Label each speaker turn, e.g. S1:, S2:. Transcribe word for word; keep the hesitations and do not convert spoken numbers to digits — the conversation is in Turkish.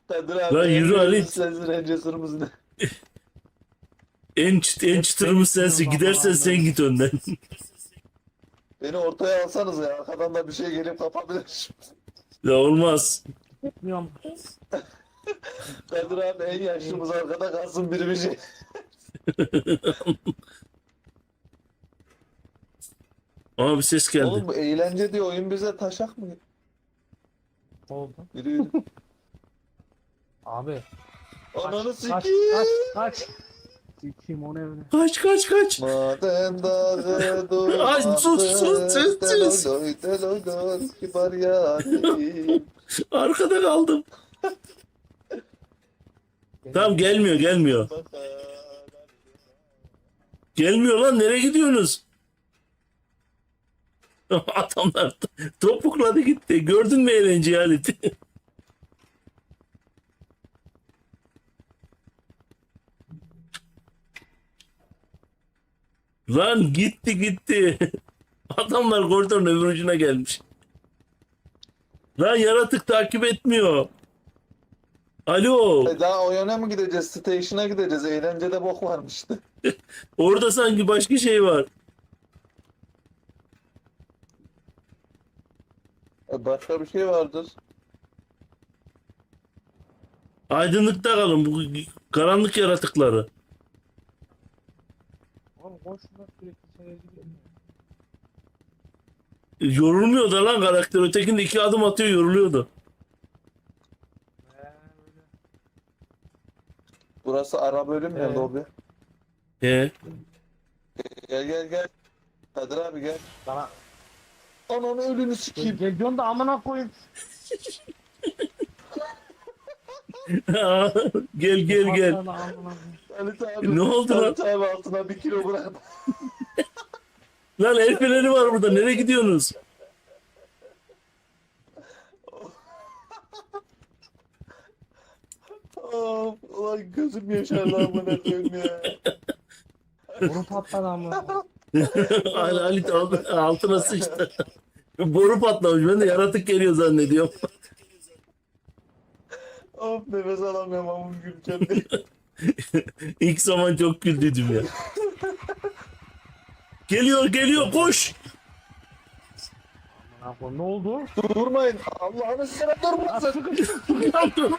S1: Kadir abi
S2: Lan
S1: en
S2: yürü
S1: büyüğümüz
S2: Halit.
S1: sensin, en cesurumuz ne?
S2: En, çıt, en çıtırımız sensin. Gidersen sen git önden.
S1: Beni ortaya alsanız ya. Arkadan da bir şey gelip kapabilir.
S2: Ya olmaz.
S3: Bilmiyorum.
S1: Kadir abi en yaşlımız arkada kalsın, biri bir şey.
S2: Aa bir ses geldi.
S1: Oğlum bu eğlence diye oyun bize taşak mı?
S3: Ne oldu?
S1: Yürü yürü.
S3: Abi.
S1: Ananı
S3: Kaç, kaç,
S1: sikiyim.
S3: kaç, kaç. Sikiyim onu evine.
S2: Kaç kaç kaç.
S1: Maden dağı dur.
S2: Ay, sus, sus, sus, sus.
S1: Deloy deloy deloy kibar yarim.
S2: Arkada kaldım. Tamam gelmiyor gelmiyor. Gelmiyor lan, nereye gidiyorsunuz? Adamlar topukladı gitti. Gördün mü eğlenceyi Halit? Lan gitti gitti. Adamlar koridorun öbür ucuna gelmiş. Lan yaratık takip etmiyor. Alo.
S1: E daha o yöne mi gideceğiz? Station'a gideceğiz. Eğlencede bok varmıştı.
S2: Orada sanki başka şey var.
S1: E başka bir şey vardır.
S2: Aydınlıkta kalın bu karanlık yaratıkları.
S3: Oğlum koşma sürekli şeye gidiyor.
S2: Yorulmuyor da lan karakter. Ötekinde iki adım atıyor, yoruluyordu.
S3: Ee, öyle.
S1: Burası ara bölüm ya,
S3: Evet.
S1: lobi.
S2: He.
S1: Gel gel gel. Kadir abi gel.
S3: Sana
S1: Ananı ölünü
S3: gel,
S1: sikeyim.
S3: geliyorsun da amına koyayım.
S2: Gel gel gel.
S3: Patladı amına koyayım.
S1: Halit abi.
S2: Ne oldu lan?
S1: Halit abi altına bir kilo bırak.
S2: Lan el freni var burada. Nereye gidiyorsunuz?
S1: Of, ulan gözüm yaşardı amına koyayım ya.
S3: Boru patladı amına koyayım.
S2: Al- Halit al- altına sıçtı. Boru patlamış. Ben de yaratık geliyor zannediyorum.
S1: Of, nefes alamıyorum ama gülken diye.
S2: İlk zaman çok güldüydüm ya. Geliyor geliyor koş.
S3: Amına koyayım. Ne oldu?
S1: Durmayın. Allah'ını seversen durmasın.
S2: Sıkıştım.